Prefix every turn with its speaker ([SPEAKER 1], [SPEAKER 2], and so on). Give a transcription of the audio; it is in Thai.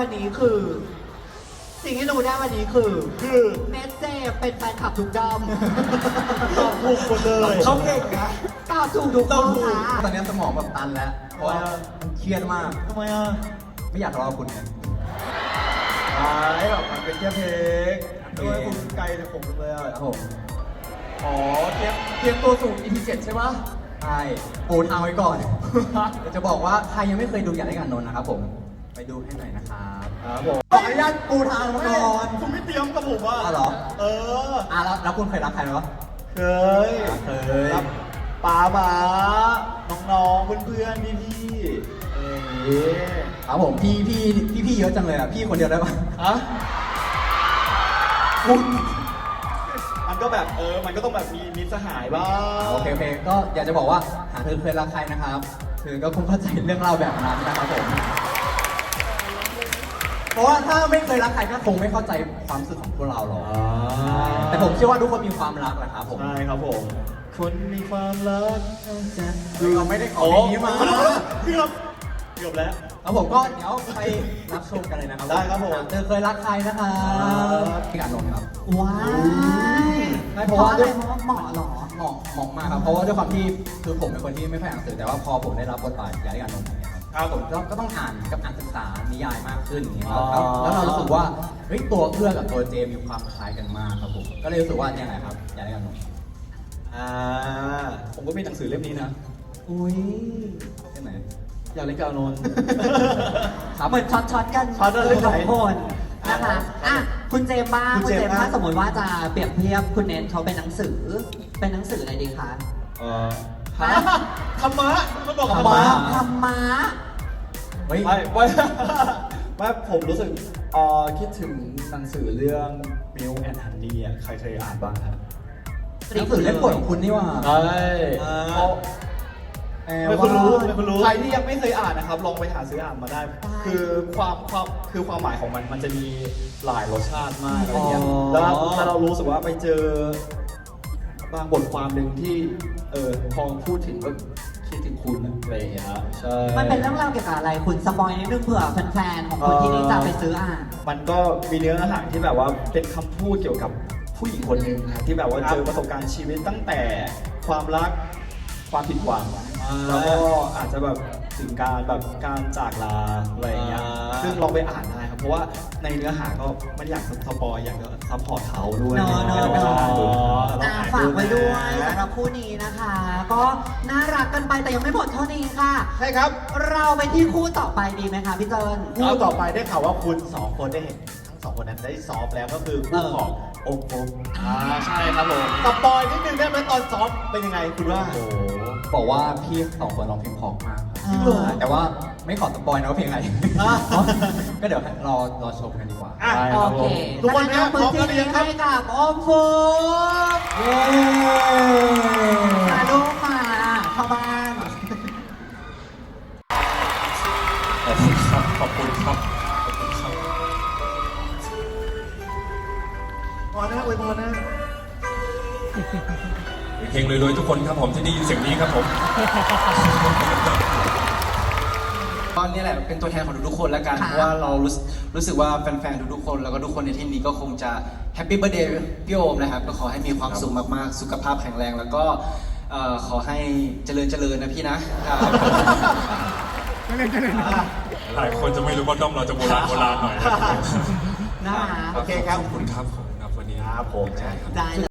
[SPEAKER 1] วันนี้คือ สิ่งที่รู้ได้วันนี้คือ
[SPEAKER 2] คือ
[SPEAKER 1] เนสเจเป็นแฟนคลับทุกด้อม
[SPEAKER 2] ตอบถูกหมดเลยเขาเก่งนะ
[SPEAKER 1] ตอบถูกทุกคนค่ะ
[SPEAKER 3] ตอนนี้สมองแบบตันแล้ว เพราะว่ามันเครียดมาก
[SPEAKER 2] ทำไมอ่ะ
[SPEAKER 3] ไม่อยากทะเลาะกับคุณไง
[SPEAKER 2] แบบมันเป็นแค่เพลงด้วยคุณไกลจากผมเลยอ่ะ
[SPEAKER 3] ครับผม
[SPEAKER 2] อ๋อเตรียมตัวสู่ EP 7ใช่ปะ
[SPEAKER 3] ใช่ปูทางไว้ก่อน เดี๋ยวจะบอกว่าใครยังไม่เคยดูอยากได้กันนนท์นะครับผม ไปดูให้หน่อยนะครับ
[SPEAKER 2] ครับผม
[SPEAKER 3] ขออนุญาตปูทางมาก่อน
[SPEAKER 2] คุณไม่เตรียมกับผมอ่ะ
[SPEAKER 3] อ้าวเหรอ
[SPEAKER 2] เออ
[SPEAKER 3] แล้วคุณเคยรักใครไหมวะ
[SPEAKER 2] เคย
[SPEAKER 3] เคย
[SPEAKER 2] รับป๋าหมาน้องๆเพื่อนๆพี่ๆเอ๊ะ
[SPEAKER 3] ครับผมพี่เยอะจังเลยอ่ะ พี่คนเดียวได้ปะ
[SPEAKER 2] ฮะ
[SPEAKER 3] คุณ
[SPEAKER 2] มันก็แบบมันก็ต้องแบบมีมิตรสหายบ้าง
[SPEAKER 3] โอเคก็อยากจะบอกว่าหากเธอเคยรักใครนะครับเธอก็คงเข้าใจเรื่องเล่าแบบนั้นนะครับผม เพราะว่าถ้าไม่เคยรักใครก็คงไม่เข้าใจความรู้สึกของพวกเราหรอกแต่ผมเชื่อว่าทุกคนมีความรักแหละครับผม
[SPEAKER 2] ใช่ครับผม คนมีความรัก
[SPEAKER 3] เราไม่ได้ขอเพลงนี้มา
[SPEAKER 2] เกือบแล้ว
[SPEAKER 3] ครับผมก็เดี๋ยวไปรับชมกันเลยนะครับ
[SPEAKER 2] ได้ครับผม
[SPEAKER 3] เธอเคยรักใครนะครับพี่การลงครับ
[SPEAKER 1] ว้าย
[SPEAKER 3] ไม่เพราะว่า
[SPEAKER 1] อะไรเพราะว่าเหมาะเหรอ
[SPEAKER 3] เหมาะมากครับ เพราะว่าด้วยความที่คือผมเป็นคนที่ไม่ค่อยอ่านหนังสือแต่ว่าพอผมได้รับบทบาทยายการลงอย่างเงี้ยครับผมก็ต้องอ่านกับอ่านศึกษานิยายมากขึ้นอย่างเงี้ยครับแล้วเรารู้สึกว่าเฮ้ยตัวเอื้อกับตัวเจมีความคล้ายกันมากครับผมก็เลยรู้สึกว่าเนี่ยแหละครับยายการลง
[SPEAKER 2] ผมก็มีหนังสือเล่มนี้นะ
[SPEAKER 3] อุ้ยใช่ไหม
[SPEAKER 2] อยากเล่นกาโนน
[SPEAKER 3] ครับ
[SPEAKER 1] เหมือนช็อตกัน
[SPEAKER 2] ช็อตกันเรื่องไหน
[SPEAKER 1] สองคนนะคะอ่ะคุณเจมส์บ้าง
[SPEAKER 2] คุ
[SPEAKER 1] คุณ ณ
[SPEAKER 2] เจ
[SPEAKER 1] เจ
[SPEAKER 2] ม
[SPEAKER 1] ม
[SPEAKER 2] ส์
[SPEAKER 1] ส์
[SPEAKER 2] บ้าง
[SPEAKER 1] ถ้าสมมติว่าจะเปรียบเทียบคุณเนทเขาเป็นหนังสืออะไรดีคะ
[SPEAKER 2] ฮะธรรมะมันบอก
[SPEAKER 3] ธ
[SPEAKER 2] ธ
[SPEAKER 3] ร
[SPEAKER 2] ร
[SPEAKER 3] ร
[SPEAKER 2] ร
[SPEAKER 3] มะ
[SPEAKER 2] มะ
[SPEAKER 1] ธรรมะ
[SPEAKER 3] เฮ้ย
[SPEAKER 2] ไม่ผมรู้สึกคิดถึงหนังสือเรื่อง Milk and Honey อ่ะใครเคยอ่านบ้างครับ
[SPEAKER 3] หนังสือเล่มโปรดของคุณนี่หว่า
[SPEAKER 2] ใช่ ไม่คุณรู้ใครที่ยังไม่เคยอ่านนะครับ ลองไปหาซื้ออ่านมาได้ คือความหมายของมันจะมีหลายรสชาติมากอะไรเงี้ยแล้วเรารู้สึกว่าไปเจอบางบทความหนึ่งที่พอพูดถึงก็คิดถึงคุณอะไรอย่างเงี้ยใช่
[SPEAKER 1] มันเป็นเรื่องราวเกี่ยวกับอะไรคุณสปอยนิดนึงเผื่อแฟนๆของคนที่นี่จะไปซื้ออ่าน
[SPEAKER 2] มันก็มีเนื้อหาที่แบบว่าเป็นคำพูดเกี่ยวกับผู้หญิงคนหนึ่งนะที่แบบว่าเจอประสบการณ์ชีวิตตั้งแต่ความรักความผิดหวังแล้วก็อาจจะแบบถึงการจากลาอะไรอย่างเงี้ยซึ่งลองไปอ่านได้ครับเพราะว่าในเนื้อหาก็ไม่ได้อยากสปอยอยากจะซัพพอร์ตเขาด้วย
[SPEAKER 1] เนอะ
[SPEAKER 2] ให้เราไปอ่านดู
[SPEAKER 1] ฝากไว้ด้วยสำหรับคู่นี้นะคะ ก็น่ารักกันไปแต่ยังไม่หมดเท่านี้ค่ะ
[SPEAKER 2] ใช่ครับ
[SPEAKER 1] เราไปที่คู่ต่อไปดีไหมคะพี่เจิน
[SPEAKER 4] คู่ต่อไปได้ข่าวว่าคุณสองคนได้เห็นทั้งสองคนนั้นได้ซ้อมแล้วก็คือคู่ของโอมโอม
[SPEAKER 2] ใช่ครับผม
[SPEAKER 4] สปอยนิดนึงได้ไหมตอนซ้อมเป็นยังไงคุณว่า
[SPEAKER 3] โอ้โหบอกว่าพี่สองคนร้องเพลงเพราะมากครับ
[SPEAKER 1] จริงเหรอ
[SPEAKER 3] แต่ว่าไม่ขอสปอยนะว่าเพลงอะไร ก็เดี๋ยวรอชมกันดีกว่า
[SPEAKER 4] อ่ะ
[SPEAKER 1] โอเค
[SPEAKER 4] ทุกคนนะ
[SPEAKER 1] พื้น
[SPEAKER 4] พร้อมกันหรือ
[SPEAKER 1] ที่นี้
[SPEAKER 4] ยังครับ
[SPEAKER 1] ให้กับโอมฟูม
[SPEAKER 3] เย้
[SPEAKER 1] มาลูกมาเข้าบ้าน
[SPEAKER 5] ขอบคุณครับ ขอบคุณครับ ขอบคุณครับ
[SPEAKER 4] พอนะอวยพรนะ
[SPEAKER 5] เพลงรวยๆทุกคนครับผมที่ได้ยินเสียงนี้ครับผม
[SPEAKER 6] ตอนนี้แหละเป็นตัวแทนของทุกๆคนแล้วกัน
[SPEAKER 1] ค่ะ
[SPEAKER 6] เพราะว่าเรารู้สึกว่าแฟนๆทุกๆคนแล้วก็ทุกคนในที่นี้ก็คงจะแฮปปี้เบ t ร์ a เดย์พี่โอมนะครับก็ขอให้มีความสุขมากๆ สุขภาพแข็งแรง แล้วก็ขอให้เจริญนะพี่นะ
[SPEAKER 5] หลายคนจะไม่รู้ว่าด้อมเราจะโบราณหน่อยนะครับ
[SPEAKER 1] นะคะ
[SPEAKER 4] โอเคครับ
[SPEAKER 5] ขอบคุณครับผมครับวันนี้
[SPEAKER 4] ครับผม
[SPEAKER 5] ใช่ครับ
[SPEAKER 1] ได้เลย